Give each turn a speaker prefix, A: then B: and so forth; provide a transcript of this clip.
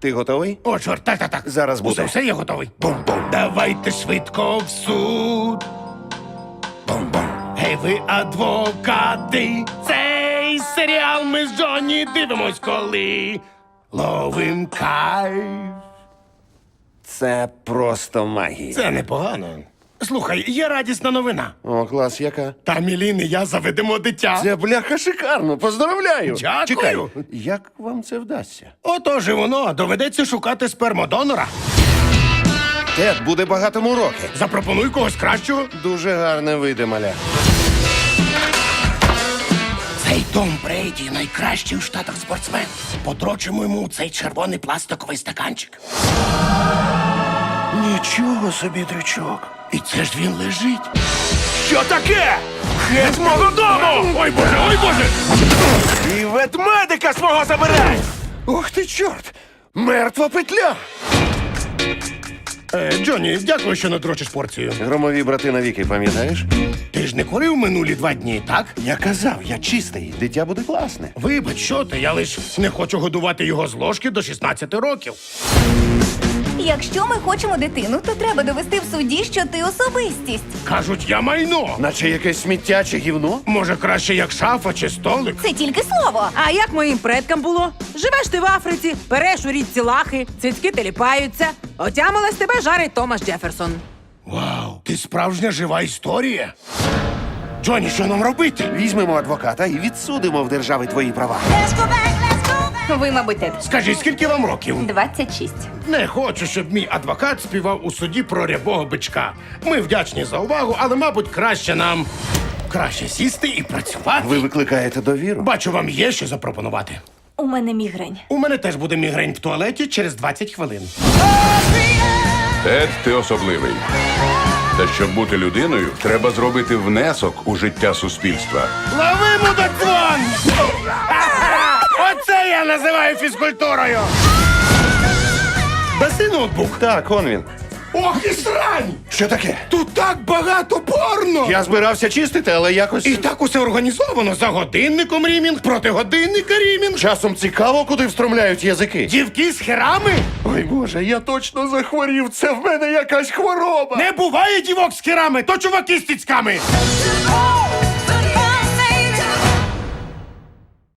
A: Ти готовий?
B: О, чорт, так.
A: Зараз буде.
B: Все, я готовий. Бум-бум. Давайте швидко в суд. Бум-бум. Гей, ви адвокати. Цей серіал ми з Джонні дивимось, коли ловим кайф.
A: Це просто магія.
B: Це непогано. Слухай, є радісна новина.
A: О, клас, яка?
B: Та Мілін і я заведемо дитя.
A: Це бляха шикарно, поздравляю.
B: Дякую.
A: Чекай, як вам це вдасться?
B: Отож і воно, доведеться шукати спермодонора.
A: Тед буде багатому роки.
B: Запропонуй когось кращого.
A: Дуже гарне вийде, маля.
B: Цей Том Брейді найкращий у Штатах спортсмен. Подрочимо йому цей червоний пластиковий стаканчик.
A: Нічого собі, дрючок.
B: І це ж він лежить.
C: Що таке? Геть з мого дому!
B: Ой, Боже!
C: І ветмедика свого забирай!
A: Ох ти, чорт! Мертва петля!
B: Джонні, дякую, що надрочиш порцію.
A: Громові брати навіки, пам'ятаєш?
B: Ти ж не курив минулі 2 дні, так?
A: Я казав, я чистий, дитя буде класне.
B: Вибач, що ти, я лиш не хочу годувати його з ложки до 16 років.
D: Якщо ми хочемо дитину, то треба довести в суді, що ти особистість.
B: Кажуть, я майно.
A: Наче якесь сміття чи гівно?
B: Може, краще як шафа чи столик?
D: Це тільки слово.
E: А як моїм предкам було? Живеш ти в Африці, береш у річці лахи, цицьки теліпаються. Отямилась тебе жарить Томас Джеферсон.
B: Вау, ти справжня жива історія. Джонні, що нам робити?
A: Візьмемо адвоката і відсудимо в держави твої права.
D: Ви, мабуть, Тед.
B: Скажіть, скільки вам років?
D: 26.
B: Не хочу, щоб мій адвокат співав у суді про рябого бичка. Ми вдячні за увагу, але, мабуть, краще сісти і працювати.
A: Ви викликаєте довіру?
B: Бачу, вам є що запропонувати.
D: У мене мігрень.
B: У мене теж буде мігрень в туалеті через 20 хвилин.
F: Тед, ти особливий. Та щоб бути людиною, треба зробити внесок у життя суспільства.
B: Лови, мудаквон! Оце я називаю фізкультурою! Даси ноутбук.
A: Так, он він.
B: Ох і срань!
A: Що таке?
B: Тут так багато порно!
A: Я збирався чистити, але якось...
B: І так усе організовано. За годинником рімінг, проти годинника рімінг.
A: Часом цікаво, куди встромляють язики.
B: Дівки з херами?
A: Ой, Боже, я точно захворів. Це в мене якась хвороба.
B: Не буває дівок з херами, то чуваки з тіцьками.